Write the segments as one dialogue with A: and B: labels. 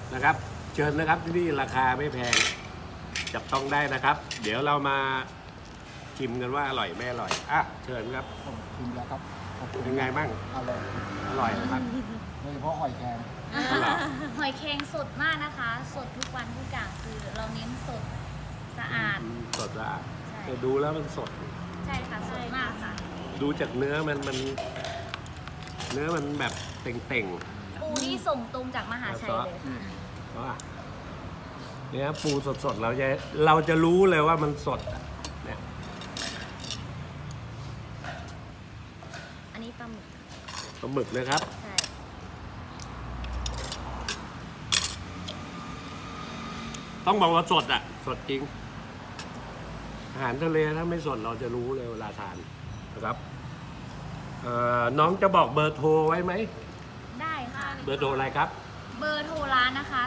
A: นะครับ เชิญนะครับที่นี่ราคาไม่แพงจับต้องได้นะครับ เดี๋ยวเรามาชิมกันว่าอร่อยไม่อร่อยอ่ะเชิญครับ
B: ผมชิมแล้วครับขอบคุณ
A: เป็นไงบ้าง
B: อร่อย
A: อร่อยนะครับ
B: โดยเฉพาะหอยแครง
A: อร่อย
C: หอยแครงสดมากนะคะ สดทุกวันทุกอย่างคือเราเน้นสดสะอาด
A: สดสะอาด
C: ใช่
A: แต่ดูแล้วมันสด
C: ใช่ค่ะสดมากค่ะ
A: ดูจากเนื้อมันเนื้อมันแบบเต่ง
C: ปูนี่ส่งตรงจากมหาชัยเลยค่ะ
A: ๆเพราะว่าเนี่ยปูสดๆเราจะรู้เลยว่ามันสดอะเนี่ย
C: อันนี้ปลาหมึก
A: ปลาหมึกนะครับ
C: ใช่
A: ต้องบอกว่าสดอ่ะ สดจริง อาหารทะเลถ้าไม่สดเราจะรู้เลยเวลาทานนะครับน้องจะบอกเบอร์โทรไว้ไหม
C: ได้ค่ะ
A: เบอร์โทรอะไรครับ
C: เบอร์โทรร้านนะคะ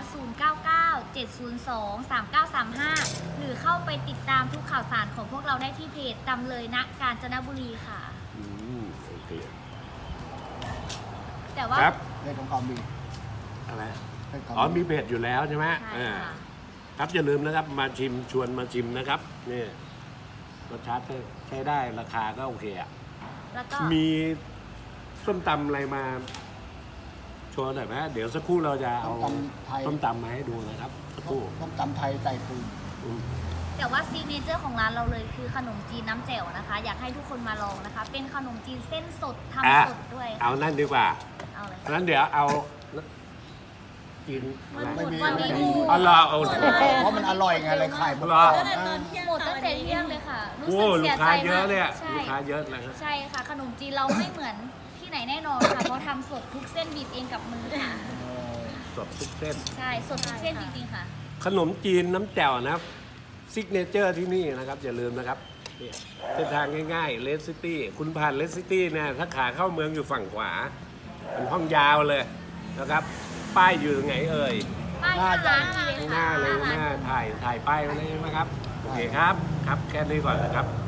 C: 0997023935 หรือเข้าไปติดตามทุกข่าวสารของพวกเราได้ที่เพจตำเลยนะกาญจนบุรีค่ะ
A: โอเค
C: แต่ว่า
A: ครับ
B: เรื่องของความดี
A: อะไร
B: เรื่องของ
A: อ๋อมีเพจอยู่แล้วใช่ไหม
C: ใช่ค่ะ
A: ครับอย่าลืมนะครับมาชิมชวนมาชิมนะครับนี่รสชาติใช้ได้ราคาก็โอเคอ่ะ
C: แล้วก็
A: มีส้มตำอะไรมาโชว์หน่อยไหมเดี๋ยวสักครู่เราจะเอา
B: ต้มตำไทย
A: ส้มตำมาให้ดูนะครับสักครู่
B: ต้มตำไทยใส่ปูน
A: อืม
C: แต่ว่าซิกเนเจอร์ของร้านเราเลยคือขนมจีนน้ำแจ่วนะคะ อยากให้ทุกคนมาลองนะคะ เป็นขนมจีนเส้นสดทำสดด้วยค่ะ
A: เอานั่นดีกว่า
C: เอาเลย
A: งั้นเดี๋ยวเอากินอะไร
B: ไม่มี
C: วันนี้
B: ไม่
C: ห
B: มี
C: มู
A: อ๋อเหรอเอา
B: เพราะมันอร่อยไงเลยขายหมด
A: เหรอ
B: ก่อน
C: หมดตั้งแต่เที่ยงเลยค่ะ รู้
A: โอ้
C: สึก
A: ลู
C: เสี
A: ก
C: ยใจ
A: ค้าเยอะ
C: มาก
A: เลยอะ
C: ใช่
A: ลูกค้าเยอะเลยครับ
C: ใช่ค่ะ ขนมจีนเราไม่เหมือนที่ไหนแน่นอนค่ะ เพราะทำสดทุกเส้นบีบเองกับมือค่ะ
A: สดทุกเส้น
C: ใช่สดทุกเส้นจริงๆค่ะ
A: ขนมจีนน้ำแจ่วนะครับซิกเนเจอร์ที่นี่นะครับ อย่าลืมนะครับเนี่ยเส้นทางง่ายๆเลสซิตี้คุณผ่านเลสซิตี้เนี่ยถ้าขาเข้าเมืองอยู่ฝั่งขวาเป็นห้องยาวเลยนะครับ ป้ายอยู่ตรงไหนเอ่ย
C: ป้ายหน้าร้านนี่เลย
A: ข้างห
C: ค่ะ
A: น้าเลย
C: หน้า
A: หน้า
C: ร้าน
A: ถ่ายป้ายไว้เลยใช่ไหมครับโอเคครับครับแค่นี้ก่อนนะครับ